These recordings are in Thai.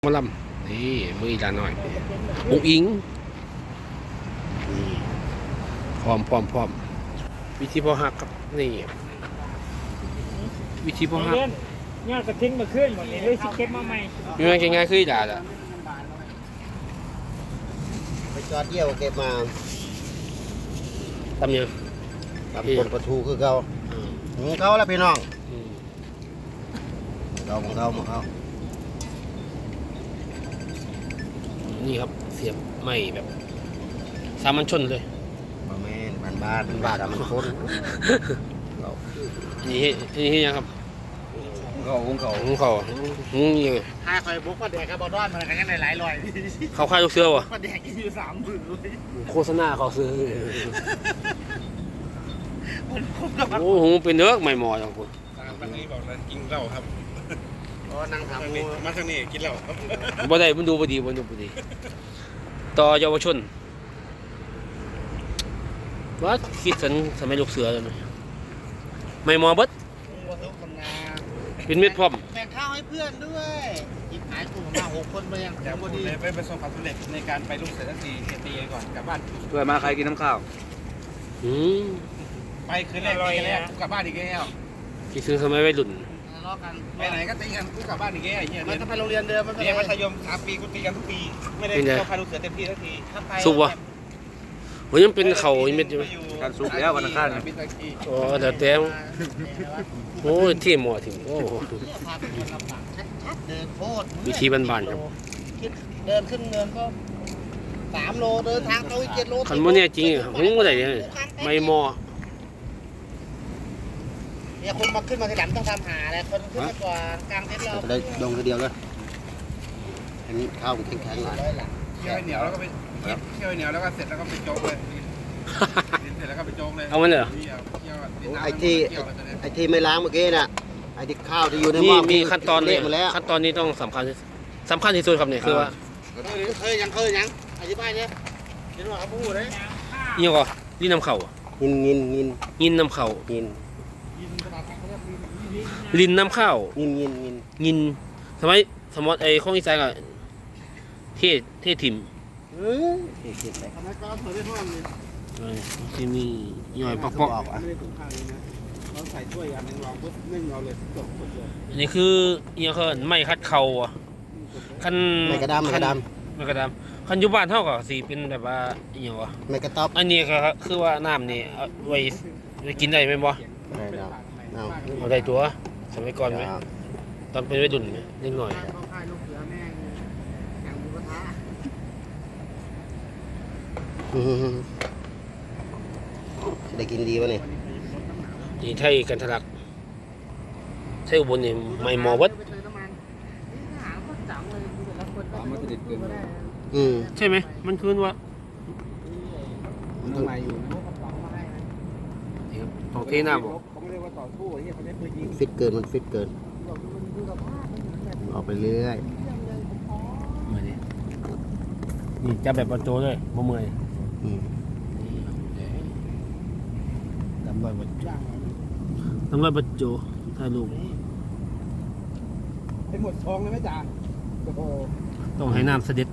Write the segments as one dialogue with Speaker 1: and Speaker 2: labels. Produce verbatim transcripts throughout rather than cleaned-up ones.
Speaker 1: มาลำนี่มืออีลาหน่อยอุ้งอิงนี่พร้อมพร้อมพร้อมวิธีพอหักครับนี่วิธีพอหัก
Speaker 2: ยอดกระทิ้งมาขึ้นหมดเลยเลยสิเก็บมาใหม่
Speaker 1: มีมันง่ายๆคืออีลาละ
Speaker 3: ไปจอดเยี่ยวเก็บมา
Speaker 1: ตำยัง
Speaker 3: ทำคนประทูคือเขาของเขาแล้วพี่น้อง
Speaker 1: อืม
Speaker 3: เขาของเขาของเขา
Speaker 1: นี่ครับเสียบไม้แบบสามัญชนเลย
Speaker 3: บะแม่นบ้านบ้านบ้านมันคน
Speaker 1: นี่เฮ็ดนี่เฮ็ดยังครับ
Speaker 3: เขาของเขา
Speaker 1: หุงเขาวหุงยังไง
Speaker 2: ถ้าคอยบุกมาแดกกับบอดอนมันกันยังไงหลายร้อย
Speaker 1: เขาค่ายลูกเสือวะ
Speaker 2: มาแดกกินอยู่สามหมื่นเลย
Speaker 1: โฆษณาเขาซื้อ
Speaker 2: มันคุ้มกับ
Speaker 1: โอ้โหเป็นเนื้อไม่หมอจังคุณ
Speaker 4: ทางนี้บอกเลยกินเหล้าครับ
Speaker 3: อ๋อนั่ง
Speaker 4: ทาง
Speaker 3: ทำ
Speaker 4: นี้มาทางนี้กินเหล้าครับ
Speaker 1: บ่ได้มันดูบ่ดีมันดูบ่ดี ต่อเยาวชนว่าคิดสันสมัยลูกเสือเลยไหมไม่หมอเบิด
Speaker 2: วัตถุคำนา
Speaker 1: เป็นเม็ดพร้อม
Speaker 2: แบ่งข้าวให้เพื่อนด้วยหยิบหายกลุ่มมาหกคนไปยัง
Speaker 4: อย่าพูดเลยไม่ประสบความสำเร็จในการไปลูกเสือทันทีเฮตีก่อนกลับบ้าน
Speaker 3: ช่วยมาใครกินน้ำข้าว
Speaker 1: อืม
Speaker 4: ไปคืนแรกตีกันแรกกูกลับบ้านอีกแล้ว
Speaker 1: ที่ซื้อสมัยวัยรุ่น
Speaker 2: ทะเลาะกัน
Speaker 4: ไปไหนก็ตีกันกูกลับบ้านอีกแล้วไอ้เหี้ย
Speaker 2: มัน
Speaker 4: เรียน
Speaker 2: จะไปโรงเรียนเดิมมันก็
Speaker 4: เรียนมัธยมสามปีกูตีกันทุกปีไม่ได้เข้าพาลูกเสือเต็มที่สักที
Speaker 2: ถ้าไป
Speaker 1: สุกวะโหยังเป็นเข่าอีเม็ดอยู่ไหม
Speaker 3: การซุปแล้ววันอังคาร
Speaker 4: บินตะกี้
Speaker 1: อ๋อเดี๋ยวแต้มโอ้ยที่หมอถึงโอ้โห
Speaker 2: พาเป็นคนลำบากชัดๆเดินโคตร
Speaker 1: วิธีบ้านๆครับ
Speaker 2: เดินขึ้นเนินก็สามโลเดินทางตรงเจ็ดโล
Speaker 1: คันโมเนี่ยจริงอะหุงบ่ได้เลยไม่หมอ
Speaker 2: เนี่ยคนมาขึ้นมาทีหลังต้องทำหาอะไรคนขึ้นมาก่อนกลางเต็นท์เรา
Speaker 3: จะได้ดงทีเดียวเลยอันนี้ข้าวมันแข็งๆหน่อย
Speaker 2: ร้อยหลัง
Speaker 4: เคี่ยวให้เหนียวแล้วก็ไปเคี่ยวให้เหนียวแล้วก็เสร็จแล้วก็ไปโจ๊กเลยกินเสร็จแล้วก็ไปโจ๊กเลย
Speaker 1: เอามันเลยเหรอ
Speaker 4: เคี่ยวเคี่ยวดินน้ำ
Speaker 3: ไอ้ที่
Speaker 4: เคี่ยวแล้วจะได้
Speaker 3: ไอ้ที่ไม่ล้างเมื่อกี้น่ะไอ้ที่ข้าวที่อยู่ในห
Speaker 1: นี่
Speaker 3: ม้อ
Speaker 1: มีขั้นตอน
Speaker 3: เละ
Speaker 1: นี่
Speaker 3: หมดแล้ว
Speaker 1: ขั้นตอนนี้ต้องสำคัญที่สำคัญที่สุดครับเนี่ยคือว่า
Speaker 2: เคยยังเคยยังอธิบายเนี่ยเห็นว่าเขาพูดเลย
Speaker 1: นี่ก็ลิ้นน้ำเข่าอะ
Speaker 3: งินงินงิน
Speaker 1: ยินน้ำเข่า
Speaker 3: งิน
Speaker 1: ลิ้นน้ำข้าว
Speaker 3: งินงินงิน
Speaker 1: ยินสมัยสมมติไอ้ข้องอีสานก็เทศเทศถิ่ม
Speaker 3: เออเก็บไป
Speaker 2: ทำไมก็เผยได้ท่อนเลย
Speaker 1: เออที่มีย่อยปอก
Speaker 3: บอกอ่ะ
Speaker 2: ไม่ได้ตรงข้างเลยนะเราใส่ถ้วยอันนึงวางปุ๊บนึ่งเอาเลยจบหมดเลย
Speaker 1: ๆอันนี้คือเอียงเขาเอิ้นไม้คัดเข่าอ่ะคัน
Speaker 3: ไม่กระดำไม่กระด
Speaker 1: ไม่กระดำคันอยู่บ้านเท่ากับสีเป็นแบบว่าอหย่างวะ
Speaker 3: ำไม่กระต๊อบ
Speaker 1: อันนี้ก็คือว่าน้ำนี่เอาไว้ไว้กินได้ไหมบ่
Speaker 3: ไม่ได้เอา
Speaker 1: เอาได้ตัวสมัยก่อนไหม
Speaker 3: เอา
Speaker 1: ตอนเป็นวัยรุ่นไหมนิดหน่อย
Speaker 2: เขาค่ายลูกเสือแม่งแข่งหมูกระทะ
Speaker 3: อืมได้กินดีวะเนี่ย
Speaker 1: นี่ไทยกันทะลักไทยอุบลนี่ไม่หมอวัด
Speaker 2: ไปเติมน้ำมันนี่หาก็จังเลยแต่ละคนก็ไม่ติดเกินก็ได้
Speaker 3: อืม
Speaker 1: ใช่ไหมมันคือว่า
Speaker 3: มันต้อง
Speaker 2: มาอยู่นะกระป๋องมาให้นะ
Speaker 1: นี่ครับต้องเทน้ำบอก
Speaker 2: เขาไม่ได้ว่าต่อสู้ไอ้เหี้ยเขาได้ปืนยิง
Speaker 3: ฟิตเกินมันฟิตเกิน
Speaker 2: บอกมันดูสภาพมันเหมือนแบบ
Speaker 3: ออกไปเรื่อย
Speaker 2: เรื่องเลยผมพอ
Speaker 1: มือนี่นี่จับแบบบอลโจเลยบ่เมื่อย
Speaker 3: อืม
Speaker 1: ดำร้อยบอลโจ
Speaker 2: อย่างไร
Speaker 1: ดำร้อยบอลโจถ่ายรูป
Speaker 2: เป็นหมดทองเลยไหมจ๊ะโอ้โห
Speaker 1: ต้องให้น้ำเสด็จ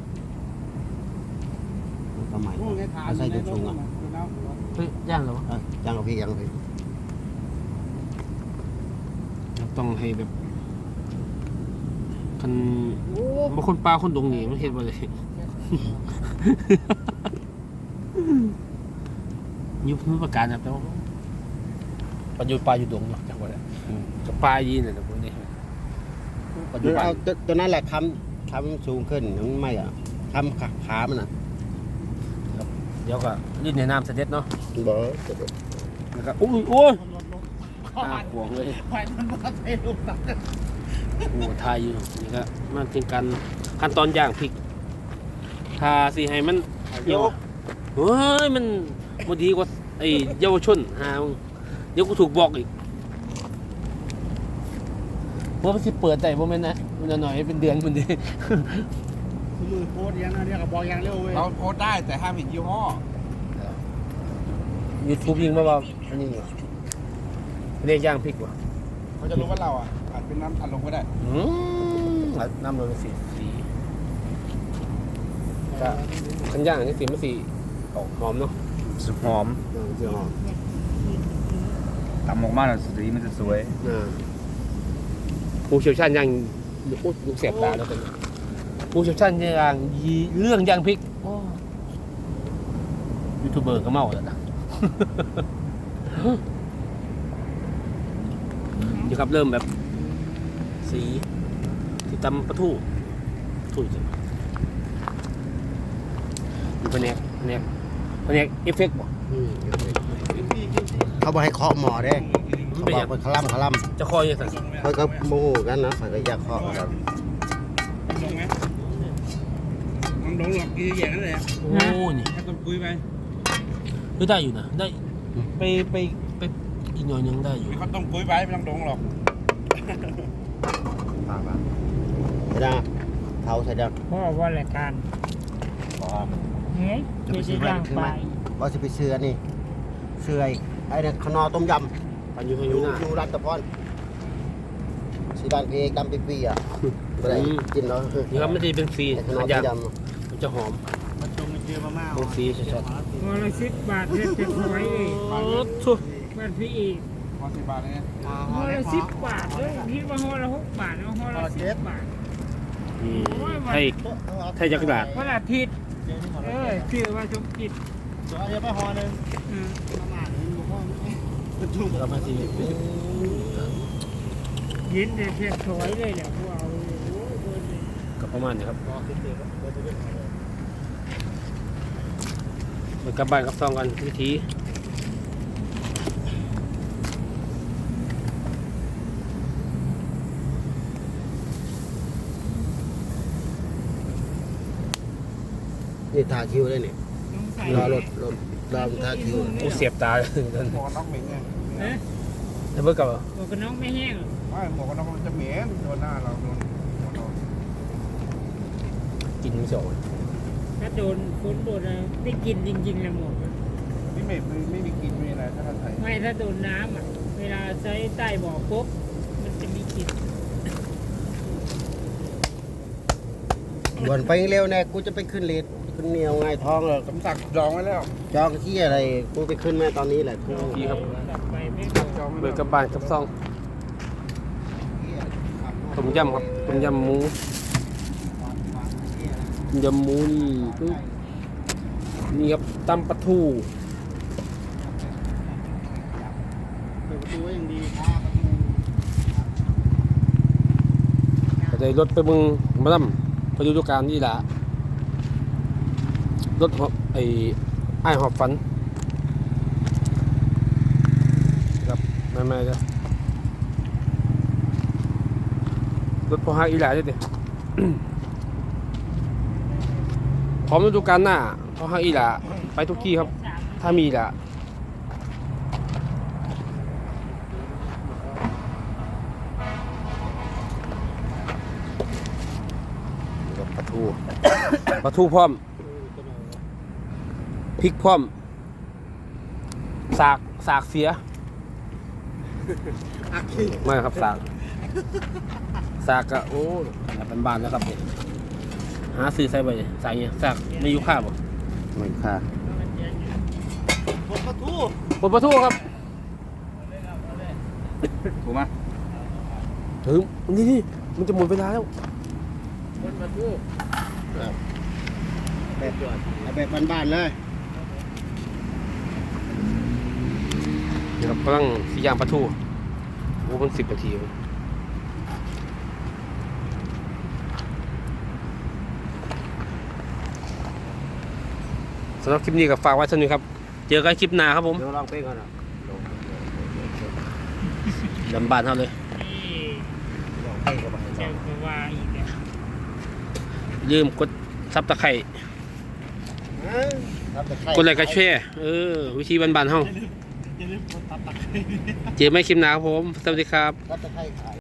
Speaker 3: สมัย
Speaker 2: นู่นไงถาม
Speaker 3: ไม่ใช่จุดสูงอ่ะ
Speaker 1: เฮ้ยย่างเหรอวะ
Speaker 3: เอ้ยยังเอาพี่ยังเอาพี่
Speaker 1: ต้องให้แบบคันบางคนปลาคนดงนี่มันเห็นบ่เลย ยุบมันประกาศนะแต่ว่าปัจจุบันปลาอยู่ดงเนาะจังหวัดกับปลายีนเนี่ยนะพวกนี้ปัจจุบัน
Speaker 3: เอาตัวตัวนั้นแหละคำคำสูงขึ้นมันไม่อ่ะคำขาขามันอ่ะ
Speaker 1: เดี๋ยวก็ลื่นในน้ำเสด็จเนาะ
Speaker 3: บอก
Speaker 1: แล้วก็อุ้ยโอ้ยตาขวงเลย
Speaker 2: ไฟมันมาเทลูกตัก
Speaker 1: โอ้ทายอยู่นี่ก็มันเป็นการขั้นตอนย่างพริกทาสิให้มันเหี่ยวเฮ้ยมันบ่ดีกว่าไอ้เยาวชนหามึงเดี๋ยวกูถูกบอกอีกเพราะมันสิเปิดได้บ่แม่นนะมันหน่อยเป็นเดือนมันดิ
Speaker 2: มือโคตรยังนะเนี่ยกับบอกยังเร็วเว้ย
Speaker 4: เราโพสต์ได้แต่ห้ามเห็นยี่ห้อ
Speaker 1: YouTube ยิงมาว่าอันนี้เรียกย่างพริกว่ะ
Speaker 4: เขาจะรู้ว่าเราอ่ะอาจเป็นน้ำอัดลงก็ได้
Speaker 1: อืมน้ำรสเป็นสีสีก็ขันย่างนี่สีมันสีออกหอมเนาะ
Speaker 4: สุดหอม
Speaker 1: เออสีหอม
Speaker 4: ตำออกมาแล้วสีมันจะสวย
Speaker 1: อ่าผู้เชี่ยวชาญย่างโอ้ลูกเสียบตาแล้วกันผู้เชี่ยวชาญย่างยีเรื่องย่างพริกโอ้ยูทูบเบอร์ก็เมาแล้วนะ เดี๋ยวครับเริ่มแบบสีสีตำปลาทูถูกจริงมีแผนกแผนกแผนกเอฟเฟกต์บ่
Speaker 3: อืมเขาบอกให้เคาะหมอเด้
Speaker 1: มัน
Speaker 3: เขา
Speaker 1: เป็น
Speaker 3: บ
Speaker 1: อ
Speaker 3: อย่าง กเป็นคลั่มคลั่ม
Speaker 1: จะคอยยังไง
Speaker 3: เขาก็โมโหกันนะเขาก็อยากเคาะกัน
Speaker 4: ลงไหมมันลงหลอกกี่อย่างนั้นเลย
Speaker 1: โอ้นี่
Speaker 4: ถ้าต้องคุยไป
Speaker 1: ไม่ได้อยู่นะได้ไปไปไปอีกหน่อยนึงได้อยู่
Speaker 4: มีคนต้องคุยไปไม่ต้องลงหรอก
Speaker 3: ปากปากใช่ดังเท้าใช่ดัง
Speaker 2: พ่อว่ารายการ
Speaker 3: บอก
Speaker 2: เฮ้ยเดี๋ยวจะย่างไป
Speaker 3: ว่าจะไปเสือนี่เสือไอ้เนี่ยขนอต้มยำ
Speaker 1: ปันอยู่ทาง
Speaker 3: อ
Speaker 1: อยู่
Speaker 3: ยู่
Speaker 1: หน้า
Speaker 3: อยู่ร้านตะพอนสีดานเพกดำปีปีอ่ะไม่ได้
Speaker 1: อืม
Speaker 3: กินเนาะ
Speaker 1: นี่ครับมันจะเป็นฟรี
Speaker 3: ไอ้ขนอ
Speaker 1: มัน
Speaker 3: ต้
Speaker 1: จะ
Speaker 3: มย
Speaker 1: มันจะหอม
Speaker 2: มาชมมาเจอมาม่า
Speaker 1: เป็นฟรีชัด
Speaker 2: พอละสิบบาทเรียกจะถอยเลย
Speaker 1: ๆโอ้ทุก
Speaker 2: บ้านพี่อีก
Speaker 4: พอสิบบาทเลย
Speaker 2: พอละสิบบาทเลยพี่ว่าพอละหกบาทเอาพอละสิบบาท
Speaker 1: นี่ไทยไทยจักรดาษ
Speaker 2: พอละอาทิตย์เออชื่อว่าชมกิจ
Speaker 3: เดี๋ยวไปหอนึง
Speaker 2: อืม
Speaker 1: แล้วมันสิ
Speaker 2: ยินเนี่ยเพียงถอยเลยแหละพวกเอาโอ้ยเบิร์นเลย
Speaker 1: ก็ประมาณนี้ครับไปกลับบ้านกลับซองกันวิธี
Speaker 3: นี่ทาคิวได้นี่
Speaker 2: น้องใส่
Speaker 3: รอรถรถรอทาคิว
Speaker 1: โอ้เสียบตา
Speaker 4: หมวกน็อกเหม็นไง
Speaker 2: เอ๊ะ
Speaker 1: แล้วเบิกกับเหรอ
Speaker 2: บอกกับน้องไม่แห้ง
Speaker 4: ไม่หมวกน็อกมันจะเหม็นโดนหน้าเราโดนโดน
Speaker 1: กินไม่สอง
Speaker 2: ถ้าโดนฝนโดนอะไรได้กินจริงๆเลยหมด
Speaker 4: นี่ไม่ไม่มีกินไม่มีอะไรถ้าท่านใส่
Speaker 2: ไม่ถ้าโดนน้ำอ่ะเวลาใช้ใต้บ่อปุ๊บมันจะมีกลิ่น
Speaker 3: ด่วนไปเร็วแน่กูจะไปขึ้นเลดขึ้นเหนียวไงท้องเลย
Speaker 4: สมศักดิ์จองไว้แล้ว
Speaker 3: จองที่อะไรกูไปขึ้นแม่ตอนนี้แหละกู
Speaker 1: พี่ครับ
Speaker 2: กลับไปไม่พอ
Speaker 4: จองไว้
Speaker 1: เบิ
Speaker 4: แล้
Speaker 1: ก
Speaker 4: ว
Speaker 1: กับบ้านกับซองต้มยำครับต้มยำหมูต้มยำหมูนี่ปึ๊บนี่ครับตำปลาทู
Speaker 3: เปิดประตูไว้อย่างดี
Speaker 1: ก็ได้รถไปเมึงมาล่ำไปดูดูการนี่แหละรถหอบไอ้ไอ้ายหอบฝันครับไม่ไม่จ้ะรถพอฮักอีหลาด้วยดิ พร้อมฤดูกาลหน้าพอฮักอีหลาไปทุกที่ครับ ถ้ามีอีหละปลาทู ปลาทูพร้อมพริกพร้อมสากสากเสียไม่ครับสากสากก็โอ้เป็นบานๆแล้วครับเนี่ยหาซื้อใส่ไปสากเนี่ยสากไม่ยุค่าบ่
Speaker 3: ไม่ค่ะ
Speaker 1: ปลาทูปลาทูครับ
Speaker 4: ถูกไหม
Speaker 1: ถึงนี่นี่มันจะหมดเวลาแล้ว
Speaker 2: คนมาทู
Speaker 3: แบบแบบบ้านๆเลย
Speaker 1: เดี๋ยวเรากำลังสีย่างปลาทูโอ้มันสิบนาทีเลยสำหรับคลิปนี้ก็ฝากไว้เท่านี้ครับ เจอกันคลิปหน้าครับผม
Speaker 3: เดี๋ยวลองไปก่อนนะ
Speaker 1: ดำบานเท่าเลย
Speaker 2: นี่
Speaker 3: ลองไปก่อน
Speaker 2: เจ้าก็ว่าอีกแล้ว
Speaker 1: ลืมกดซับตะไคร่กดไลค์กดแชร์เออ วิธีบานๆเฮาเจอไม่คลิปหน้าครับผม สวัสดีครับ
Speaker 3: รับตะไคร้ขาย